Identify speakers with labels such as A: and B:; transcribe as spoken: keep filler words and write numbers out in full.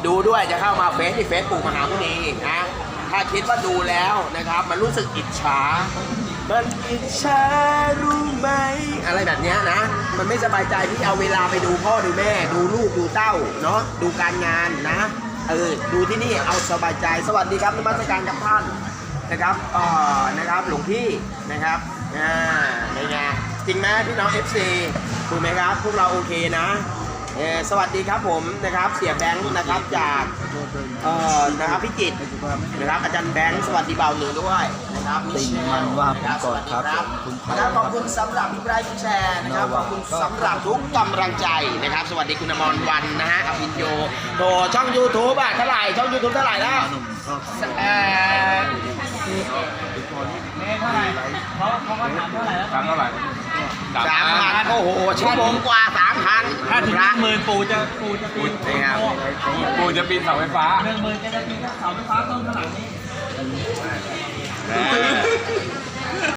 A: ดูด้วยจะเข้ามาเฟซที่เฟซปู่มหามุนีนะถ้าคิดว่าดูแล้วนะครับมันรู้สึกอิจฉามันอิจฉารู้ไหมอะไรแบบเนี้ยนะมันไม่สบายใจที่เอาเวลาไปดูพ่อดูแม่ดูลูกดูเต้าเนาะดูการงานนะเออดูที่นี่เอาสบายใจสวัสดีครับนมัสการกับท่านนะครับเอ่อนะครับหลวงพี่นะครับอ่าในไงจริงไหมพี่น้อง เอฟ ซี ถูกไหมครับพวกเราโอเคนะเออสวัสดีครับผมนะครับเสียแบงค์นะครับจากเอ่อนะครับพี่จิตรนะครับอาจารย์แบงค์สวัสดีเบาหนึ่งด้วยนะครับมิเชลนะครับสวัสดีครับนะครับขอบคุณสำหรับพี่ไบรท์พี่แชร์นะครับขอบคุณสำหรับทุกกำลังใจนะครับสวัสดีคุณอมรวันนะฮะอภิญโยโถช่อง ยูทูบ อ่ะเท่าไหร่ช่อง ยูทูบ เท่าไหร่แล้วเอ่อ
B: เท่าไหร่เขาเขาก็ถามเท่าไหร่แล้ว
C: ถามเท่าไหร่
A: สามพันโอ้โหชั่วโมงกว่าสามพัน
B: ถ้าถึงหนึ่งหมื่นปูจะปูจะปีน
A: นี่ครับ
C: กูจะปีนเสาไฟฟ้า
B: หนึ่งหมื่นจะจะปีนเสาไฟฟ้าต้นขนาดนี้